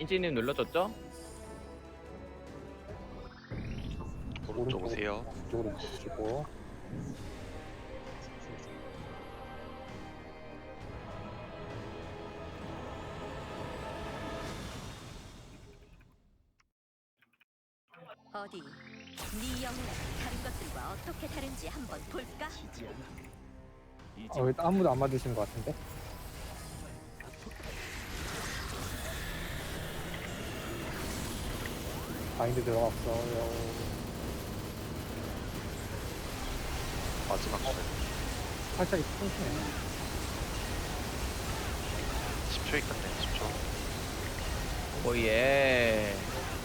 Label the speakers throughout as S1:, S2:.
S1: 인지님 눌러줬죠?
S2: 오른쪽 오세요.
S3: 이쪽으로 주시고.
S4: 어디 네 영혼은 다른 것들과 어떻게 다른지 한번 볼까?
S3: 왜 아무도 안 맞으시는 것 같은데? 바인드 들어갔어요.
S2: 마지막 줄
S3: 살짝 끊기네.
S2: 10초 있겠네. 10초.
S1: 오예.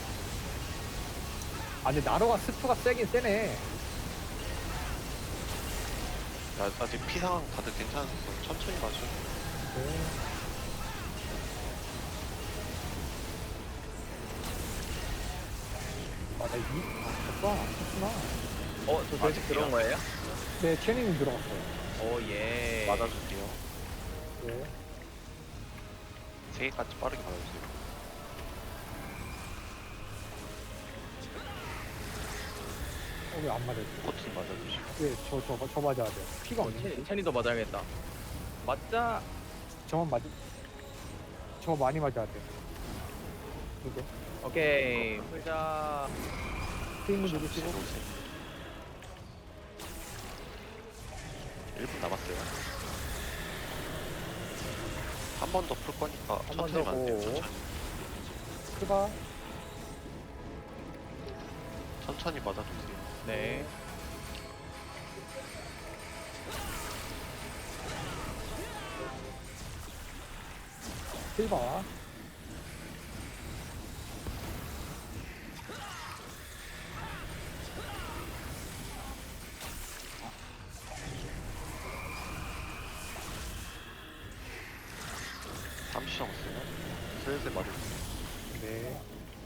S3: 아, 근데 나로가 스프가 세긴 세네.
S2: 아직 피 상황 다들 괜찮아서 천천히 마셔.
S3: 네. 아, 나 오빠, 안 썼구나.
S1: 저 결식 들어온 거예요?
S3: 네, 채닝 들어갔어요.
S1: 오예.
S2: 맞아줄게요.
S3: 네.
S2: 3개까지 빠르게 맞아주세요.
S3: 왜 안 맞아요?
S2: 코튼 맞아주시고.
S3: 네, 저 맞아야 돼요. 피가 없네.
S1: 체니도 맞아야겠다. 맞자.
S3: 저만 맞, 저 많이 맞아야 돼. 이게.
S1: 오케이. 풀자.
S3: 스윙 누르시고.
S2: 오세요. 1분 남았어요. 한 번 더 풀 거니까
S1: 한번
S2: 천천히
S1: 더
S2: 맞으세요.
S1: 고.
S2: 천천히.
S3: 크바.
S2: 천천히 맞아주세요.
S1: 네.
S3: 실바.
S2: 잠시 남았어요. 슬슬 맞아주세요.
S3: 네.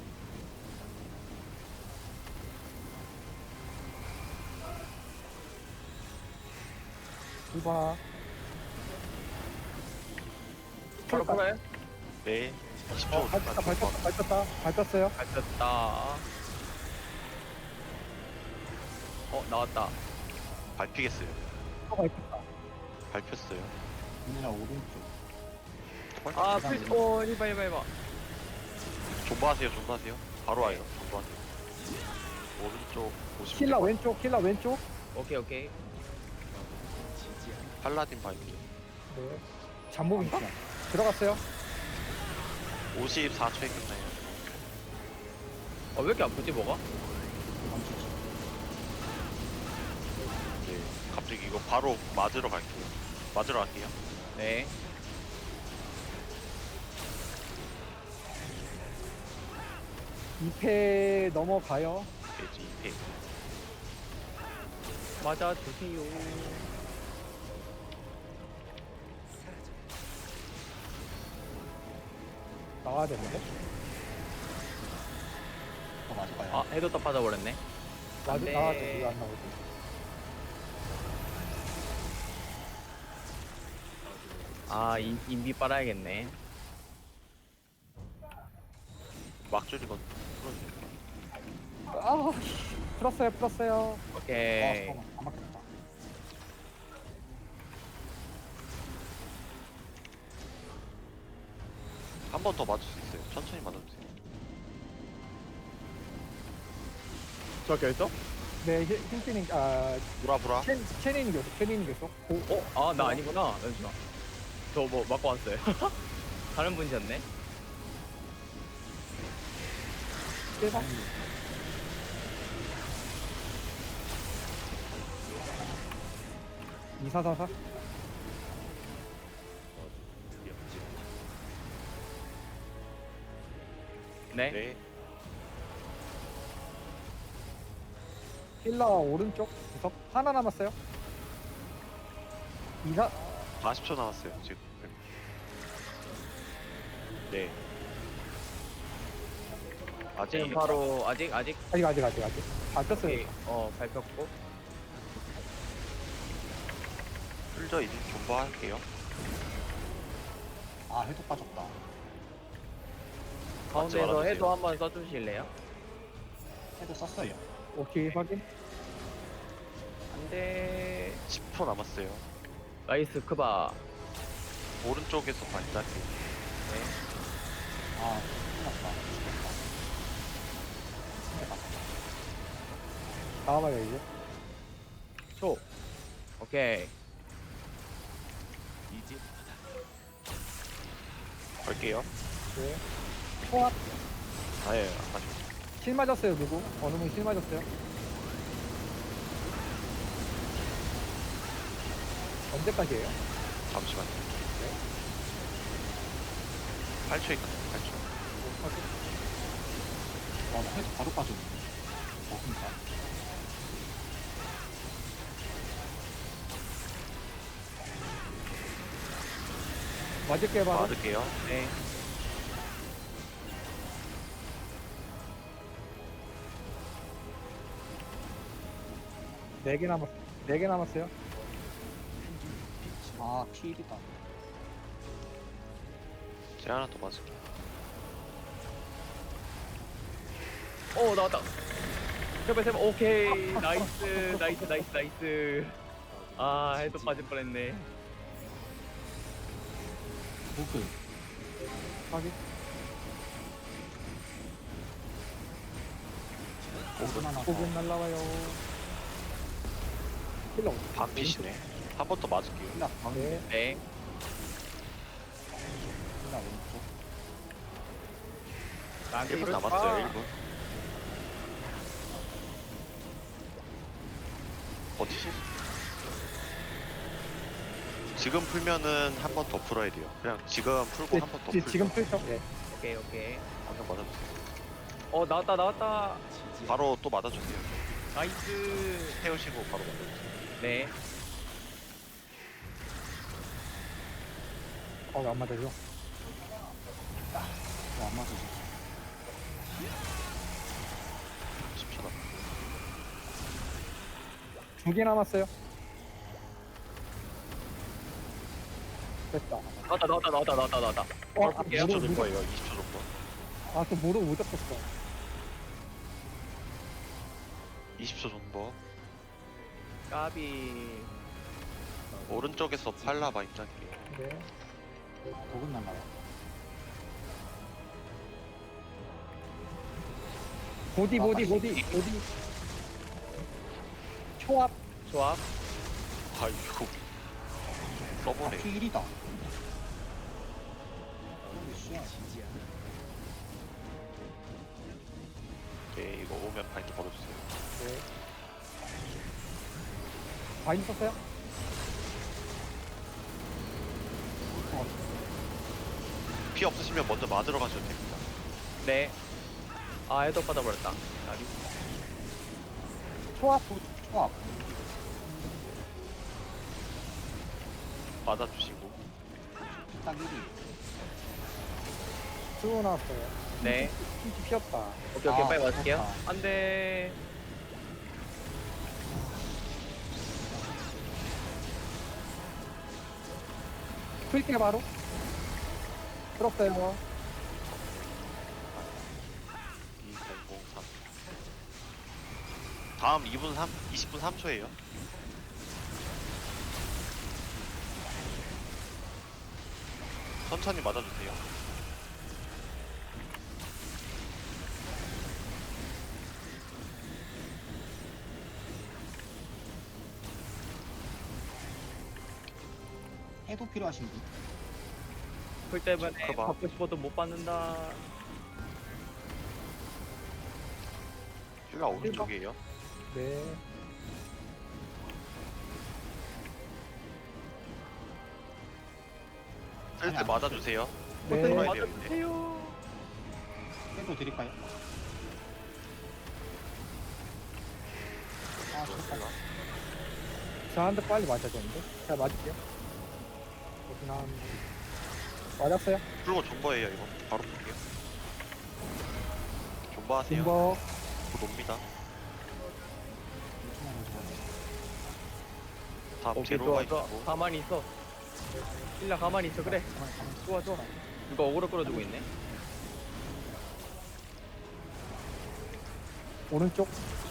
S3: 실바.
S1: 바로 풀어요?
S2: 네. 20초
S3: 밟혔어요.
S1: 밟혔다. 나왔다.
S2: 밟히겠어요.
S3: 밟혔다.
S2: 밟혔어요.
S5: 민이나 오른쪽.
S1: 아, 해봐.
S2: 존버하세요. 존버하세요. 바로 와요. 존버하세요. 오른쪽 보시면
S3: 킬라
S2: 돼요.
S3: 왼쪽, 킬라 왼쪽.
S1: 오케이.
S2: 팔라딘 바이크.
S3: 네. 잠복인가? 들어갔어요.
S2: 54초에 끝나요.
S1: 왜 이렇게 아프지, 뭐가?
S2: 네. 갑자기 이거 바로 맞으러 갈게요. 맞으러 갈게요.
S1: 네.
S3: 이패 넘어가요.
S2: 돼지 2패.
S1: 맞아주세요.
S3: 나와야 되는데.
S5: 맞을까요?
S1: 해도 딱 빠져버렸네. 안 돼.
S3: 나와야 돼. 왜안 나오지?
S1: 인비 빨아야겠네.
S2: 막줄이건 풀어주세요.
S3: 아, 풀었어요.
S1: 오케이.
S5: 안 맞겠다.
S2: 한 번 더 맞을 수 있어요. 천천히 맞아주세요.
S1: 저 결석?
S3: 네, 힐피닝,
S2: 브라브라.
S3: 채닝 계속.
S1: 나 아니구나. 잠시만. 저 뭐 맞고 왔어요. 다른 분이셨네.
S3: 대박. 이사사사.
S1: 네.
S2: 네.
S3: 힐라 오른쪽 구석 하나 남았어요. 이사
S2: 40초 남았어요. 지금. 네. 아직
S1: 지금 바로 아직
S3: 아직 밟혔어요.
S1: 오케이. 밟혔고.
S2: 풀저 이제 존버할게요.
S5: 아, 해도 빠졌다.
S1: 가운데에서
S2: 말아주세요.
S1: 해도 한번 써주실래요?
S5: 해도 썼어요.
S3: 오케이, 확인.
S1: 안돼.
S2: 10초 남았어요.
S1: 나이스 크바.
S2: 오른쪽에서 반짝이.
S5: 아, 끝났다. 죽겠다. 해봐.
S3: 나와봐요, 이제.
S1: 초. 오케이.
S2: 갈게요.
S3: 네. 초합.
S2: 아예 안 맞죠.
S3: 실 맞았어요, 누구? 어느 분이 실 맞았어요? 언제까지예요?
S2: 잠시만요. 8초 있거든요. 8초.
S5: 와, 나 해도 바로 빠졌네. 그니까.
S3: 맞을게요, 바로.
S2: 맞을게요.
S1: 네.
S3: 네 개 남았, 4개 남았어요.
S5: 아, 필이다.
S2: 제가 하나 더 맞을게요.
S1: 오 나왔다. 제발 제발. 오케이. 나이스 나이스 나이스 나이스. 아 해도 빠질 뻔했네.
S5: 보그.
S3: 확인.
S5: 보그 하나 더.
S3: 5분 날라와요. 힐러.
S2: 반피시네. 한 번 더 맞을게요.
S5: 힐라 가운데.
S3: 네.
S1: 네.
S5: 힐라 왼쪽.
S1: 나한테
S2: 1분
S1: 이럴
S2: 남았어요. 1분. 버티시? 지금 풀면은 한 번 더 풀어야 돼요. 그냥 지금 풀고 한 번 더 풀고.
S3: 지금 풀죠? 네.
S1: 오케이 오케이.
S2: 방금 맞아주세요.
S1: 어 나왔다 나왔다.
S2: 바로 또 맞아주세요.
S1: 나이스.
S2: 태우시고 바로 맞아주세요.
S1: 네.
S3: 안 맞아줘.
S5: 안 맞아서.
S2: 10초 남.
S3: 2개 남았어요. 됐다.
S1: 나왔다.
S3: 어,
S1: 볼게요.
S2: 20초
S3: 무릎,
S2: 줄 거예요. 20초 정도.
S3: 아, 또 무릎 못 잡혔어.
S2: 20초 정도.
S1: 까비.
S2: 오른쪽에서 팔라바 입장게요.
S3: 네.
S5: 보그 날라와.
S3: 보디. 초합.
S1: 조합.
S2: 아이고.
S5: 아,
S2: 써보네.
S5: 필이다. 홀리 쉣.
S2: 오케이, 이거 오면 바인드 걸어주세요.
S3: 네. 바인 썼어요?
S2: 피 없으시면 먼저 맞으러 가셔도 됩니다.
S1: 네. 아 해도 빠져버렸다. 까비.
S3: 초합.
S5: 초합.
S2: 맞아주시고.
S5: 딱 1위.
S3: 수고 나왔어요.
S1: 네.
S3: pinch 피었다.
S1: 오케이
S5: 아,
S1: 빨리 맞을게요.
S5: 좋다.
S1: 안돼.
S3: 풀게 바로. 풀었어요.
S2: 2003. 다음 20분 3초예요. 천천히 맞아주세요.
S5: 해도 필요하신 분?
S1: 풀 때문에
S2: 커버.
S1: 받고 싶어도 못 받는다.
S2: 힐라 오른쪽이에요.
S3: 네.
S2: 쓸 때 맞아주세요.
S3: 네.
S2: 들어야 돼요, 이제.
S1: 맞아주세요.
S5: 해도 드릴까요? 아, 좋다.
S3: 저한테 빨리 맞아줬는데? 제가 맞을게요. 그렇구나. 맞았어요?
S2: 풀고 존버예요, 이거. 바로 풀게요. 존버하세요.
S3: 김버.
S2: 곧 옵니다.
S5: 요즘에는 좋아요.
S2: 다음
S1: 오케이
S2: 제로가
S1: 좋아.
S2: 있고.
S1: 가만히 있어. 일라 가만히 있어. 그래.
S5: 가만히
S1: 좋아. 누가 어그로 끌어주고 있네.
S3: 오른쪽.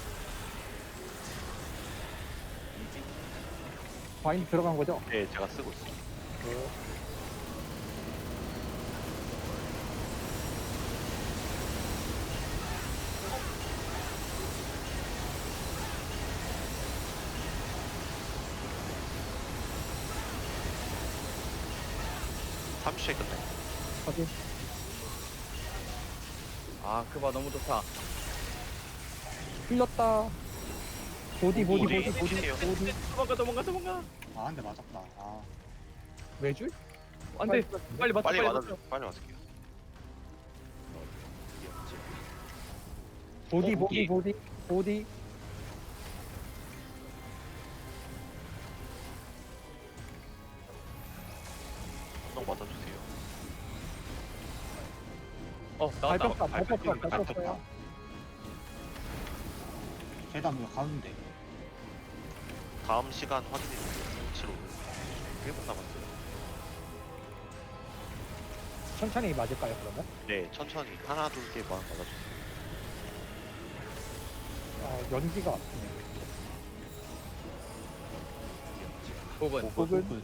S3: 바인드 들어간 거죠?
S2: 네, 제가 쓰고 있어요.
S3: 네.
S2: 삼 30초에 끝나요.
S3: 확인.
S1: 아 그바 너무 좋다.
S3: 풀렸다. 보디, 보디,
S2: 보디,
S3: 보디, 보디,
S2: 보디예요.
S3: 보디.
S1: 도망가.
S5: 아, 한 대 맞았다. 아,
S3: 외줄?
S1: 안돼. 빨리 맞춰.
S2: 빨리
S1: 빨리
S2: 맞아,
S1: 맞춰.
S2: 빨리 맞을게요.
S3: 보디,
S2: 어,
S3: 보디,
S2: 보디.
S3: 보디, 보디.
S2: 한번 맞아주세요.
S1: 나왔다.
S3: 밟혔다, 밟혔다,
S2: 밟혔다.
S3: 밟혔어요.
S5: 계단 왜 가운데?
S2: 다음 시간 확인해주세요. 7호 1분 남았어요.
S3: 천천히 맞을까요, 그러면?
S2: 네, 천천히 하나 둘 개만 맞아주세요.
S3: 연기가 아프네.
S1: 부분.
S3: 혹은
S5: 굿.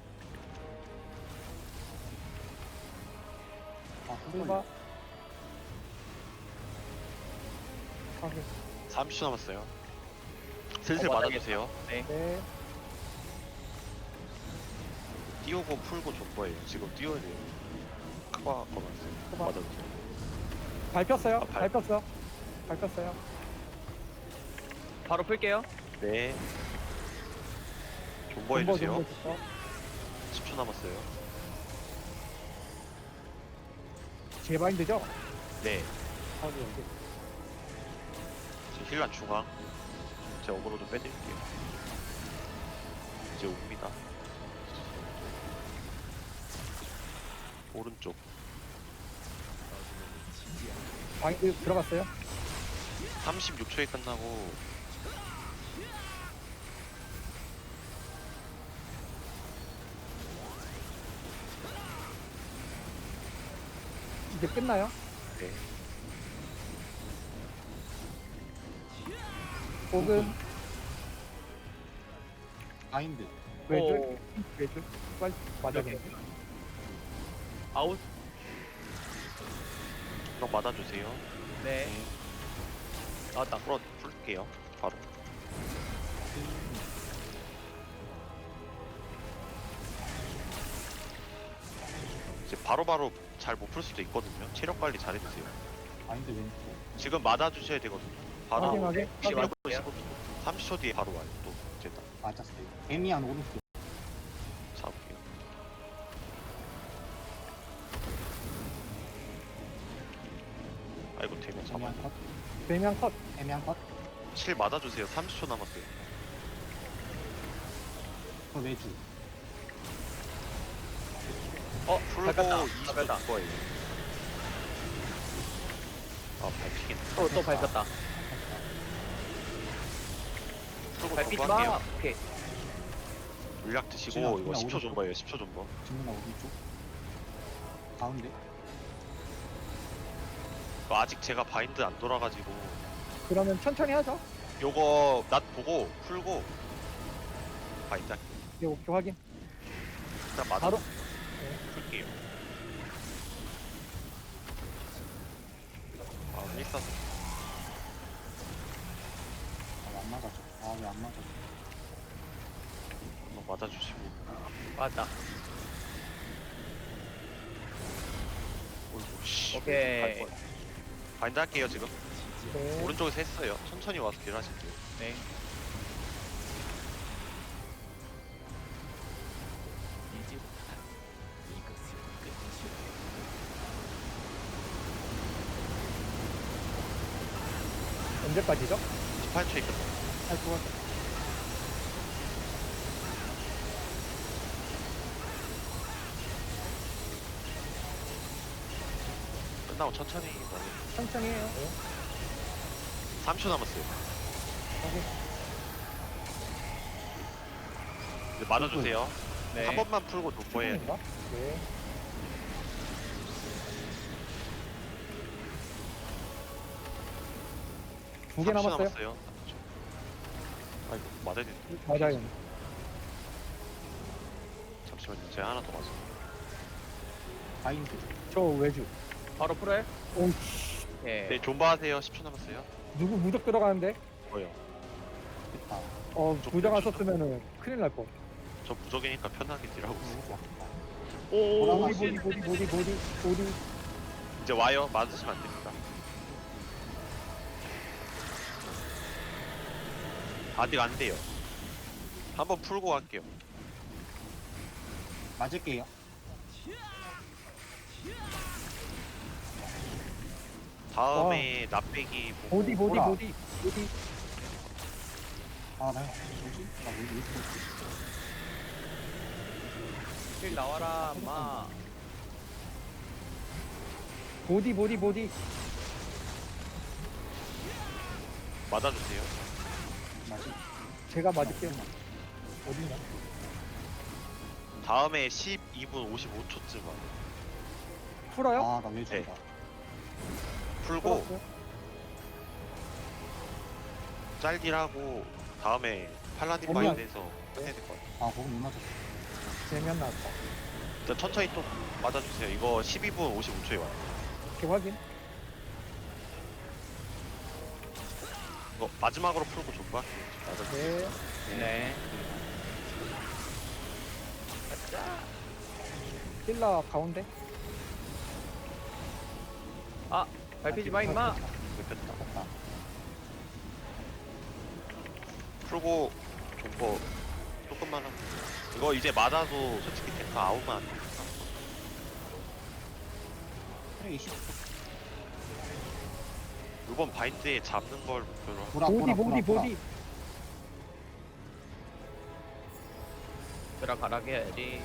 S5: 아,
S3: 풀바. 확인.
S2: 30초 남았어요. 슬슬
S1: 맞아야겠다.
S2: 맞아주세요.
S3: 네.
S2: 띄우고 풀고 줄 거예요. 지금 띄워야 돼요. 크바 걸어놨어요.
S3: 크바.
S2: 맞아주세요.
S3: 밟혔어요.
S2: 아, 밟-
S3: 밟혔어. 밟혔어요.
S1: 바로 풀게요.
S2: 네. 존버
S3: 존버,
S2: 해주세요.
S3: 존버 줬어.
S2: 10초 남았어요.
S3: 제 바인드죠?
S2: 네.
S3: 확인, 여기.
S2: 제 힐란 중앙. 제 어그로 좀 빼드릴게요. 이제 옵니다. 오른쪽.
S3: 바인드 들어갔어요.
S2: 36초에 끝나고
S3: 이제 끝나요.
S2: 네.
S3: 혹은
S5: 바인드.
S3: 외줄.
S1: 오.
S3: 외줄. 빨리 맞아야겠네.
S1: 아웃.
S2: 형 맞아주세요.
S1: 네. 나왔다.
S2: 풀게요. 바로. 이제 바로바로 잘 못 풀 수도 있거든요. 체력 관리 잘 해주세요.
S5: 바인드 왼쪽.
S2: 지금 맞아주셔야 되거든요. 바로
S3: 확인하게.
S2: 15초, 15초. 30초 뒤에 바로 와요. 또 이제 딱
S5: 맞았어요. 애미한 오른쪽.
S2: 잡을게요. 아이고 되면 잡아.
S5: 애미한 컷.
S3: 대면 컷.
S5: 애미한 컷.
S2: 7 맞아주세요. 30초 남았어요.
S5: 그 외주.
S2: 풀고
S1: 밟혔다.
S2: 20초
S1: 밟혔다.
S2: 줄 거예요. 아 밟히긴.
S1: 또 밟혔다.
S2: 풀고
S1: 밟히지
S2: 존버할게요.
S1: 마. 오케이.
S2: 물약 드시고
S5: 지나,
S2: 이거
S5: 지나
S2: 10초
S5: 오른쪽.
S2: 존버예요. 10초 존버.
S5: 뒷문 오른쪽. 가운데.
S2: 아직 제가 바인드 안 돌아가지고
S3: 그러면 천천히 하죠.
S2: 요거 낫 보고 풀고 바인드 할게요.
S3: 네, 오케이, 확인.
S2: 일단 맞아
S3: 바로.
S2: 풀게요. 아 1사
S5: 아, 왜 안 맞아줘. 아, 왜 안 맞아줘.
S2: 한번 맞아주시고.
S1: 맞다.
S2: 어이구 씨.
S1: 오케이.
S2: 갈 뻔. 바인드 할게요 지금.
S3: 네.
S2: 오른쪽에서 했어요. 천천히 와서 딜 하실게요.
S1: 네.
S3: 언제까지죠?
S2: 18초에 끝나.
S3: 할 수가 없어.
S2: 끝나고 천천히 맞아요.
S3: 천천히 해요. 네.
S2: 3초 남았어요.
S3: 확인.
S2: 이제 맞아주세요.
S1: 네.
S2: 한 번만 풀고 도포해야 돼요.
S3: 인가? 네. 두 개
S2: 30초
S3: 남았어요.
S2: 남았어요. 아이고 맞아야 돼.
S3: 맞아요.
S2: 잠시만요. 제가 하나 더 맞아.
S5: 바인드.
S3: 저 외주.
S1: 바로 풀어요?
S3: 오,
S1: 예.
S2: 네 존버 하세요. 10초 남았어요.
S3: 누구 무적 들어가는데?
S2: 뭐요?
S5: 됐다.
S3: 무적 안 썼으면은 큰일 날 뻔.
S2: 저 무적이니까 편하게 딜하고 있어요.
S5: 너무 좋았다.
S1: 오,
S5: 뭐라고
S3: 보디.
S2: 이제 와요. 맞으시면 안 됩니다. 아직 안 돼요. 한번 풀고 갈게요.
S5: 맞을게요.
S2: 다음에 납배기 보고
S3: 보디.
S5: 아, 나 뭐지? 나왜 이렇게
S1: 킬 나와라, 마.
S3: 보디.
S2: 맞아주세요.
S5: 맞지?
S3: 제가 맞을게요. 어딘가?
S2: 다음에 12분 55초쯤 와요.
S3: 풀어요?
S5: 아, 나 외주다.
S2: 풀고
S3: 풀었어요?
S2: 짤딜하고 다음에 팔라딘
S3: 어머나.
S2: 바인드에서 해야 될 것 같아요.
S5: 아, 거기 못 맞았어.
S3: 재면 나왔다.
S2: 일단 천천히 또 맞아주세요. 이거 12분 55초에 와요.
S3: 이렇게 확인.
S2: 이거 마지막으로 풀고 족바 맞아주세요.
S3: 네.
S1: 네.
S3: 힐라 가운데.
S1: 아, 밟히지 마, 임마.
S2: 됐다.
S5: 됐다.
S2: 풀고 족보 조금만 하고 이거 이제 맞아도 솔직히 탱크 아웃만 안 되니까
S5: 그래, 20.
S2: 이번 바인드에 잡는 걸 목표로 하고
S3: 보디.
S1: 들어가라게 해야지.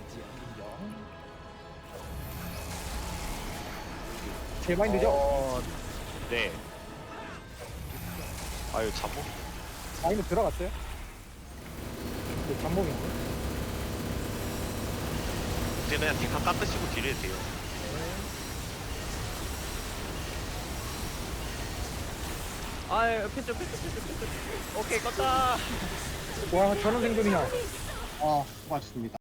S3: 제 마인드죠?
S2: 네. 아유 잠복
S3: 마인드 들어갔어요? 그 잠복인데.
S2: 이제 그냥 탱크 깎으시고 딜해도 돼요.
S1: 아, 패스. 오케이, 껐다.
S3: 와, 저런 생존이야.
S5: 아, 수고하셨습니다.